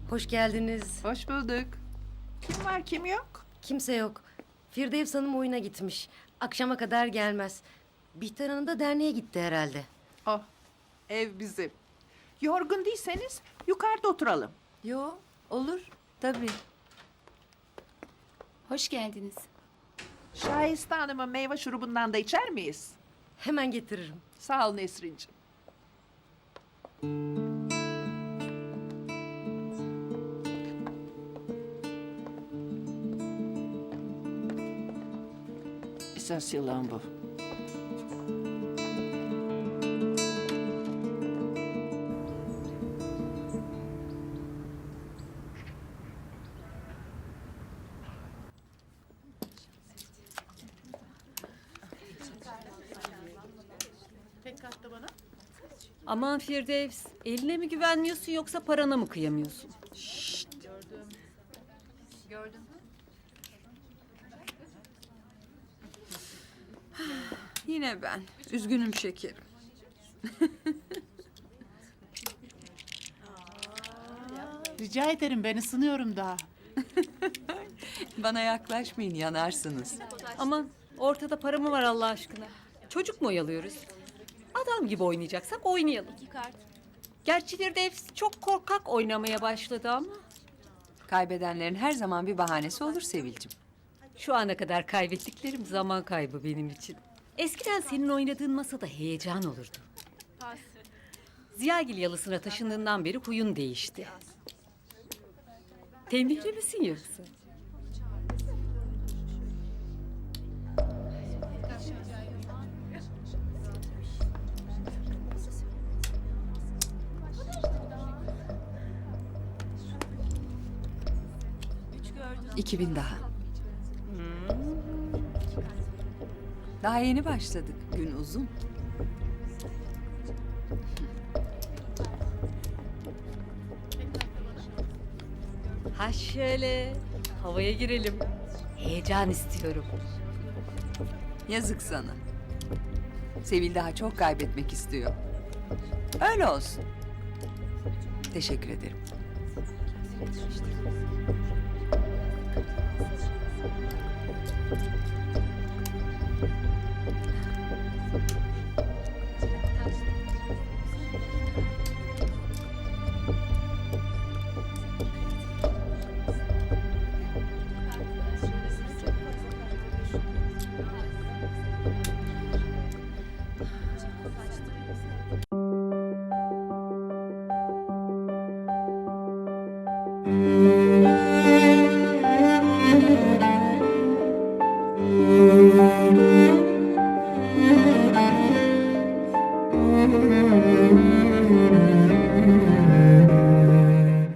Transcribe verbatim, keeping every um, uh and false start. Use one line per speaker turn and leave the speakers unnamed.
Hoş geldiniz.
Hoş bulduk. Kim var kim yok?
Kimse yok. Firdevs Hanım oyuna gitmiş. Akşama kadar gelmez. Bihter Hanım da derneğe gitti herhalde.
Oh, ev bizim. Yorgun değilseniz yukarıda oturalım.
Yo, olur. Tabii.
Hoş geldiniz.
Şahiste Hanım'ın meyve şurubundan da içer miyiz?
Hemen getiririm.
Sağ ol Nesrin'cim. Esas yılan bu.
Aman Firdevs, eline mi güvenmiyorsun yoksa parana mı kıyamıyorsun?
Yine ben. Üzgünüm şekerim.
Rica ederim, ben ısınıyorum daha.
Bana yaklaşmayın, yanarsınız.
Aman ortada para mı var Allah aşkına? Çocuk mu oyalıyoruz? Adam gibi oynayacaksak oynayalım. Gerçi Firdevs çok korkak oynamaya başladı ama...
Kaybedenlerin her zaman bir bahanesi olur Sevilcim.
Şu ana kadar kaybettiklerim zaman kaybı benim için. Eskiden senin oynadığın masada heyecan olurdu. Ziyagil yalısına taşındığından beri huyun değişti. Tembihli misin yoksa?
İki bin daha. Daha yeni başladık. Gün uzun.
Ha şöyle, havaya girelim. Heyecan istiyorum.
Yazık sana. Sevil daha çok kaybetmek istiyor. Öyle olsun. Teşekkür ederim.
Thank you.